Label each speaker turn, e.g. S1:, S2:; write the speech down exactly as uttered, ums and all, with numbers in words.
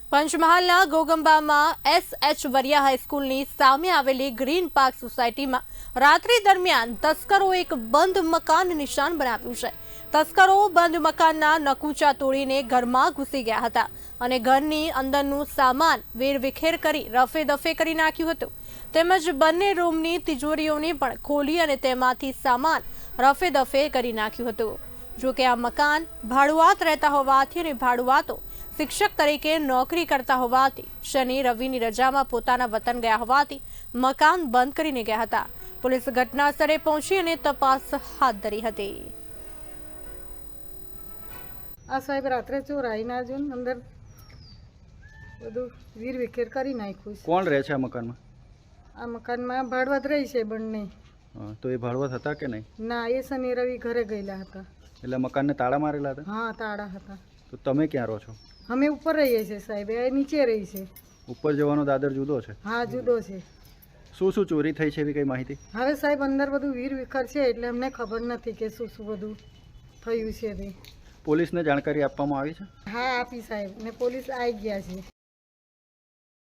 S1: પંચમહાલના ગોગંબામાં S H વરિયા હાઈસ્કૂલની સામે આવેલી ગ્રીન પાર્ક સોસાયટીમાં રાત્રિ દરમિયાન તસ્કરોએ એક બંધ મકાન નિશાન બનાવ્યું છે। તસ્કરો બંધ મકાનના નકુચા તોડીને ઘરમાં ઘૂસી ગયા હતા અને ઘરની અંદરનું સામાન વેરવિખેર કરી રફે દફે કરી નાખ્યું હતું તેમજ બંને રૂમની તિજોરીઓને પણ ખોલી અને તેમાંથી સામાન રફે દફે કરી નાખ્યું હતું। જો કે આ મકાન ભાડુઆત રહેતા હોવાથી અને ભાડુઆતો શિક્ષક તરીકે નોકરી કરતા હોવાથી શનિ રવિની રજામાં પોતાના વતન ગયા હોવાથી મકાન બંધ કરીને ગયા હતા। પોલીસ ઘટના સ્થળે પહોંચી અને તપાસ હાથ ધરી હતી।
S2: આ સાહેબ રાત્રે ચોરાઈને આજો અંદર બધું વીર વિખેર કરી નાખ્યું છે।
S3: કોણ રહે છે આ મકાનમાં?
S2: આ મકાનમાં ભાડવત રહી છે બંને।
S3: હા, તો એ ભાડવત હતા કે નહીં?
S2: ના, એ શનિ રવિ ઘરે ગયેલા હતા।
S3: એટલે મકાનને તાળા મારેલા હતા?
S2: હા, તાળા હતા।
S3: તો તમે ક્યાં રહો છો?
S2: અમે ઉપર રહીએ છીએ સાહેબ, એ નીચે રહી છે।
S3: ઉપર જવાનો દાદર જુદો છે?
S2: હા, જુદો છે।
S3: શું શું ચોરી થઈ છે એવી કઈ માહિતી?
S2: હવે સાહેબ અંદર બધું વીર વિખર છે એટલે અમને ખબર નથી કે શું શું બધું થયું છે તે।
S3: પોલીસને જાણકારી આપવામાં આવી છે?
S2: હા, આપી સાહેબ, ને પોલીસ આવી ગયા છે।